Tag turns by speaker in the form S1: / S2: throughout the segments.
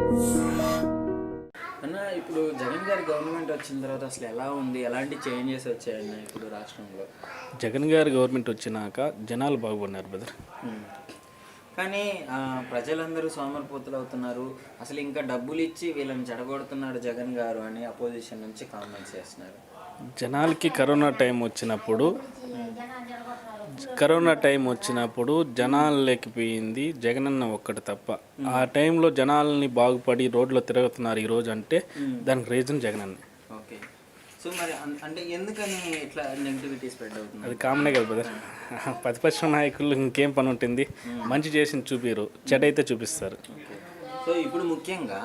S1: అన్న ఇప్పుడు జగన్ గారి గవర్నమెంట్ వచ్చిన తర్వాత అసలు ఎలా ఉంది, ఎలాంటి చేంజెస్ వచ్చాయన్న ఇప్పుడు రాష్ట్రంలో?
S2: జగన్ గారి గవర్నమెంట్ వచ్చినాక జనాలు బాగుపడినారు బ్రదర్.
S1: కానీ ప్రజలందరూ సోమరిపోతులు అవుతున్నారు, అసలు ఇంకా డబ్బులు ఇచ్చి వీళ్ళని చెడగొడుతున్నాడు జగన్ గారు అని అపోజిషన్ నుంచి కామెంట్స్ చేస్తున్నారు.
S2: జనాలకి కరోనా టైం వచ్చినప్పుడు జనాలు లేకపోయింది జగనన్న ఒక్కటి తప్ప. ఆ టైంలో జనాల్ని బాగుపడి రోడ్లో తిరుగుతున్నారు ఈరోజు అంటే దానికి రీజన్ జగనన్న.
S1: ఓకే, సో మరి అంటే ఎందుకని ఇట్లా నెగిటివిటీ స్ప్రెడ్ అవుతుంది?
S2: అది కామనే కదా బ్రదర్. ప్రతిపక్ష నాయకులు ఇంకేం పని ఉంటుంది, మంచి చేసింది చూపిరు, చెడ్డ అయితే చూపిస్తారు.
S1: సో ఇప్పుడు ముఖ్యంగా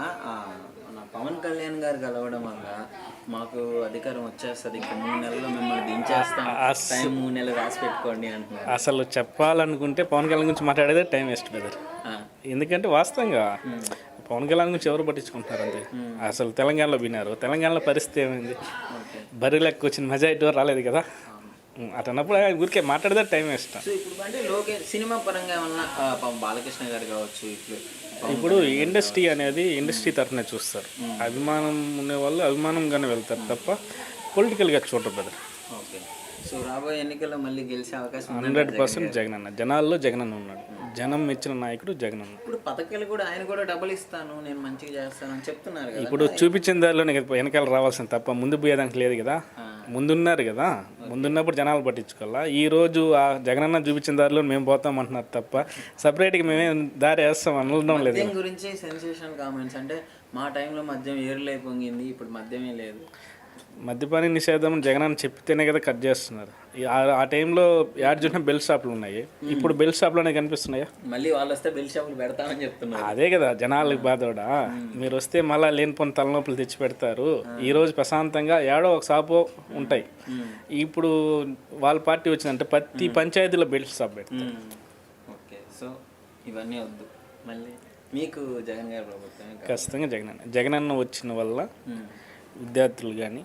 S1: మన పవన్ కళ్యాణ్ గారు కలవడం వల్ల మాకు అధికారం వచ్చేస్తుంది, ఇంకా 3 నెలల్లో మిమ్మల్ని దించేస్తాం, టైం 3 నెలలు రాసి పెట్టుకోండి అంటున్నారు.
S2: అసలు చెప్పాలనుకుంటే పవన్ కళ్యాణ్ గురించి మాట్లాడేదే టైం వేస్ట్ బ్రదర్. ఎందుకంటే వాస్తవంగా పవన్ కళ్యాణ్ గురించి ఎవరు పట్టించుకుంటున్నారు అంతే. అసలు తెలంగాణలో విన్నారు, తెలంగాణలో పరిస్థితి ఏమైంది? బర్రెలకు వచ్చిన మెజారిటీ రాలేదు కదా. అటన్నప్పుడు ఊరికే మాట్లాడితే టైం వేస్ట్.
S1: సో ఇప్పుడు అంటే సినిమా పరంగా ఏమన్నా బాలకృష్ణ గారు కావచ్చు,
S2: ఇప్పుడు ఇండస్ట్రీ తరఫున చూస్తారు. అభిమానం ఉండే వాళ్ళు అభిమానంగానే వెళ్తారు తప్ప పొలిటికల్గా చూడరు బ్రదర్.
S1: ఓకే, సో రాబోయే ఎన్నికల్లో మళ్ళీ గెలిచే అవకాశం
S2: 100% జగనన్న. జనాల్లో జగనన్న ఉన్నాడు, జనం మెచ్చిన నాయకుడు జగనన్న.
S1: ఇప్పుడు పథకాలు కూడా ఆయన కూడా డబ్బులు ఇస్తాను, నేను మంచిగా చేస్తాను అని చెప్తున్నారు కదా.
S2: ఇప్పుడు చూపించిన దారిలోనే వెనకాల రావాల్సింది తప్ప ముందు పోయేదానికి లేదు కదా. ముందున్నారు కదా, ముందున్నప్పుడు జనాలు పట్టించుకోవాలా. ఈరోజు ఆ జగనన్న చూపించిన దారిలో మేము పోతాం అంటున్నారు తప్ప సపరేట్గా మేమే దారి వేస్తాం అనడం లేదు.
S1: మద్యం గురించి సెన్సేషన్ కామెంట్స్ అంటే మా టైంలో మద్యం ఏరులై పొంగింది, ఇప్పుడు మద్యమే లేదు.
S2: మద్యపాన నిషేధం జగనన్న చెప్తేనే కదా కట్ చేస్తున్నారు. ఆ టైంలో యాడ్ చూసిన బెల్ షాపులు ఉన్నాయి, ఇప్పుడు బెల్ షాపులోనే కనిపిస్తున్నాయా?
S1: మళ్ళీ వాళ్ళు వస్తే బెల్ షాపులు పెడతామని చెప్తున్నారు.
S2: అదే కదా జనాలకు బాధోడా. మీరు వస్తే మళ్ళీ లేనిపోయిన తలనొప్పులు తెచ్చి పెడతారు. ఈరోజు ప్రశాంతంగా ఏడో ఒక షాపు ఉంటాయి. ఇప్పుడు వాళ్ళ పార్టీ వచ్చిందంటే ప్రతి పంచాయతీలో బెల్ షాప్ పెడతారు.
S1: ఓకే, సో ఇవన్నీ వద్దు. మళ్ళీ మీకు జగన్ గారి ప్రభుత్వం
S2: ఖచ్చితంగా జగనన్న వచ్చిన వల్ల విద్యార్థులు కానీ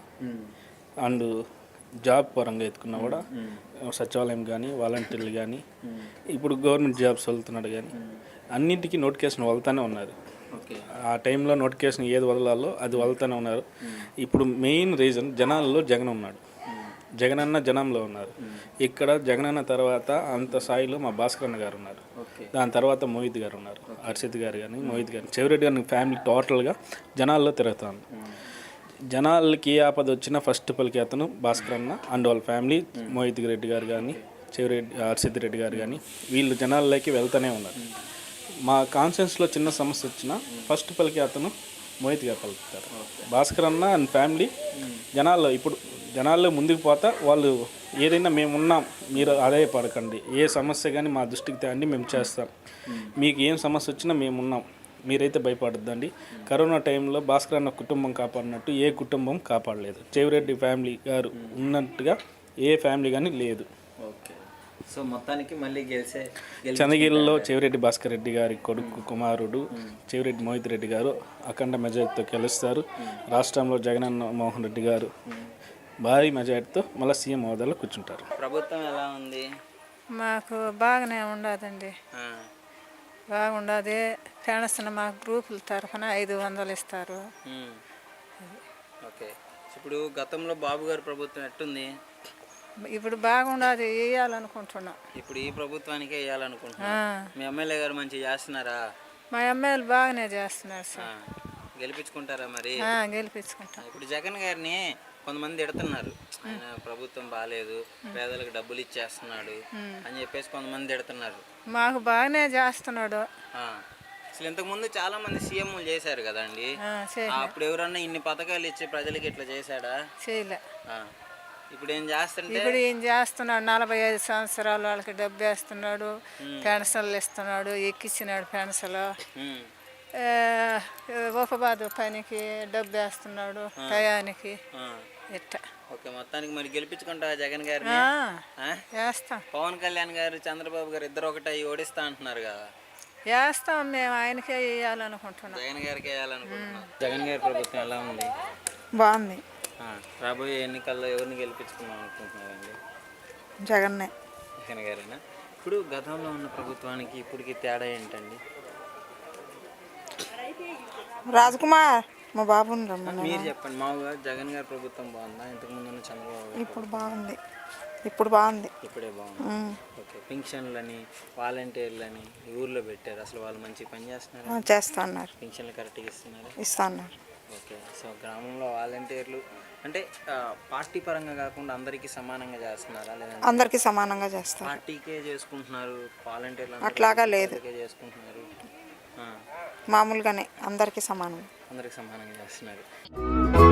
S2: అండ్ జాబ్ పరంగా ఎత్తుకున్నా కూడా సచివాలయం కానీ వాలంటీర్లు కానీ ఇప్పుడు గవర్నమెంట్ జాబ్స్ వెళ్తున్నాడు కానీ అన్నింటికీ నోటిఫికేషన్ వదులుతూనే ఉన్నారు. ఆ టైంలో నోటిఫికేషన్ ఏది వదలాలో అది వదులుతూనే ఉన్నారు. ఇప్పుడు మెయిన్ రీజన్ జనాల్లో జగన్ ఉన్నాడు, జగనన్న జనంలో ఉన్నారు. ఇక్కడ జగనన్న తర్వాత అంత స్థాయిలో మా భాస్కరన్న గారు ఉన్నారు, దాని తర్వాత మోహిత్ గారు ఉన్నారు, హర్షిత్ గారు కానీ మోహిత్ గారు, చెవిరెడ్డి గారి ఫ్యామిలీ టోటల్గా జనాల్లో తిరుగుతాను. జనాలకి ఏ ఆపద వచ్చినా ఫస్ట్ పలికి అతను భాస్కరన్న అండ్ వాళ్ళ ఫ్యామిలీ, మోహిత్ రెడ్డి గారు కానీ చెవిరెడ్డి హర్షిత్ రెడ్డి గారు కానీ వీళ్ళు జనాల్లోకి వెళ్తూనే ఉన్నారు. మా కాన్షియన్స్లో చిన్న సమస్య వచ్చినా ఫస్ట్ పలికి అతను మోహిత్ గారు పలుకుతారు. భాస్కరన్న అండ్ ఫ్యామిలీ జనాల్లో ముందుకు పోతా వాళ్ళు ఏదైనా మేమున్నాం, మీరు అదే పడకండి, ఏ సమస్య కానీ మా దృష్టికి తేండి, మేము చేస్తాం, మీకు ఏం సమస్య వచ్చినా మేమున్నాం, మీరైతే భయపడద్దండి. కరోనా టైంలో భాస్కర్ అన్న కుటుంబం కాపాడినట్టు ఏ కుటుంబం కాపాడలేదు. చెవిరెడ్డి ఫ్యామిలీ గారు ఉన్నట్టుగా ఏ ఫ్యామిలీ కానీ లేదు.
S1: ఓకే, సో మొత్తానికి మళ్ళీ
S2: చంద్రగిరిలో చెవిరెడ్డి భాస్కర్ రెడ్డి గారి కొడుకు కుమారుడు చెవిరెడ్డి మోహిత్ రెడ్డి గారు అఖండ మెజార్టీతో గెలుస్తారు. రాష్ట్రంలో జగనన్న మోహన్ రెడ్డి గారు భారీ మెజార్టీతో మళ్ళీ సీఎం హోదాలో కూర్చుంటారు.
S1: ప్రభుత్వం ఎలా ఉంది?
S3: మాకు బాగానే ఉండదండి, బాగుండదు. పెన్షన్ మాకు గ్రూపుల తరఫున 500 ఇస్తారు.
S1: ఓకే, ఇప్పుడు గతంలో బాబు గారి ప్రభుత్వం ఎట్టుంది?
S3: ఇప్పుడు బాగుండదు, వేయాలనుకుంటున్నాం.
S1: ఇప్పుడు ఈ ప్రభుత్వానికే వేయాలనుకుంటున్నాం. మీ ఎమ్మెల్యే గారు మంచిగా చేస్తున్నారా?
S3: మా ఎమ్మెల్యేలు బాగానే చేస్తున్నారు సార్.
S1: గెలిపించుకుంటారా మరి?
S3: గెలిపించుకుంటాం.
S1: ఇప్పుడు జగన్ గారిని కొంతమంది తిడుతున్నారు, ఆయన ప్రభుత్వం బాగాలేదు, పేదలకు డబ్బులు ఇచ్చేస్తున్నాడు అని చెప్పేసి కొంతమంది తిడుతున్నారు.
S3: మాకు బాగానే చేస్తున్నాడు.
S1: అసలు ఇంతకుముందు చాలా మంది సీఎంలు చేశారు కదండి, అప్పుడు ఎవరన్నా ఇన్ని పథకాలు ఇచ్చి ప్రజలకి ఇట్లా చేశాడా?
S3: చేయలే.
S1: ఇప్పుడు ఏం చేస్తుంటే
S3: ఇప్పుడు ఏం చేస్తున్నాడు, 45 సంవత్సరాల వాళ్ళకి డబ్బు వేస్తున్నాడు, పెన్షన్లు ఇస్తున్నాడు, ఎక్కిచ్చినాడు పెన్షన్లు, ఉపబాధ పనికి డబ్బు వేస్తున్నాడు టయానికి ఇట్ట.
S1: ఓకే, మొత్తానికి మరి గెలిపించుకుంటా జగన్ గారిని?
S3: వేస్తాం.
S1: పవన్ కళ్యాణ్ గారు చంద్రబాబు గారు ఇద్దరు ఒకటి ఓడిస్తా అంటున్నారు కదా.
S3: వేస్తాం, మేము ఆయనకే వేయాలనుకుంటున్నాం.
S1: జగన్ గారికి వేయాలనుకుంటున్నాం. జగన్ గారి ప్రభుత్వం ఎలా ఉంది?
S3: బాగుంది.
S1: రాబోయే ఎన్నికల్లో ఎవరిని గెలిపించుకుందాం అనుకుంటున్నారండి?
S3: జగన్
S1: గారేనా? ఇప్పుడు గతంలో ఉన్న ప్రభుత్వానికి ఇప్పటికి తేడా ఏంటండి?
S4: రాజ్కుమార్ మా బాబుని రమ్మన్నా.
S1: మీరు చెప్పండి, మామూలుగా జగన్ గారి ప్రభుత్వం బాగుందా, ఇంతకు ముందు ఉన్న చంద్రబాబు గారి
S4: ఇప్పుడు బాగుంది, ఇప్పుడు బాగుంది.
S1: ఇప్పుడే బాగుంది. ఓకే, పింఛన్లని వాలంటీర్లని ఈ ఊర్లో పెట్టారు, అసలు వాళ్ళు మంచి పని చేస్తున్నారు,
S4: చేస్తా అన్నారు,
S1: పింఛన్లు కరెక్ట్గా ఇస్తున్నారు.
S4: ఇస్తా అన్నారు.
S1: ఓకే, సో గ్రామంలో వాలంటీర్లు అంటే పార్టీ పరంగా కాకుండా అందరికీ సమానంగా చేస్తున్నారా, లేదంటే
S4: అందరికీ సమానంగా చేస్తారు.
S1: పార్టీకే చేసుకుంటున్నారు వాలంటీర్లు,
S4: అట్లాగా లేదు,
S1: చేసుకుంటున్నారు,
S4: మామూలుగానే అందరికీ సమానం.
S1: అందరికి సమానంగా చేస్తున్నారు.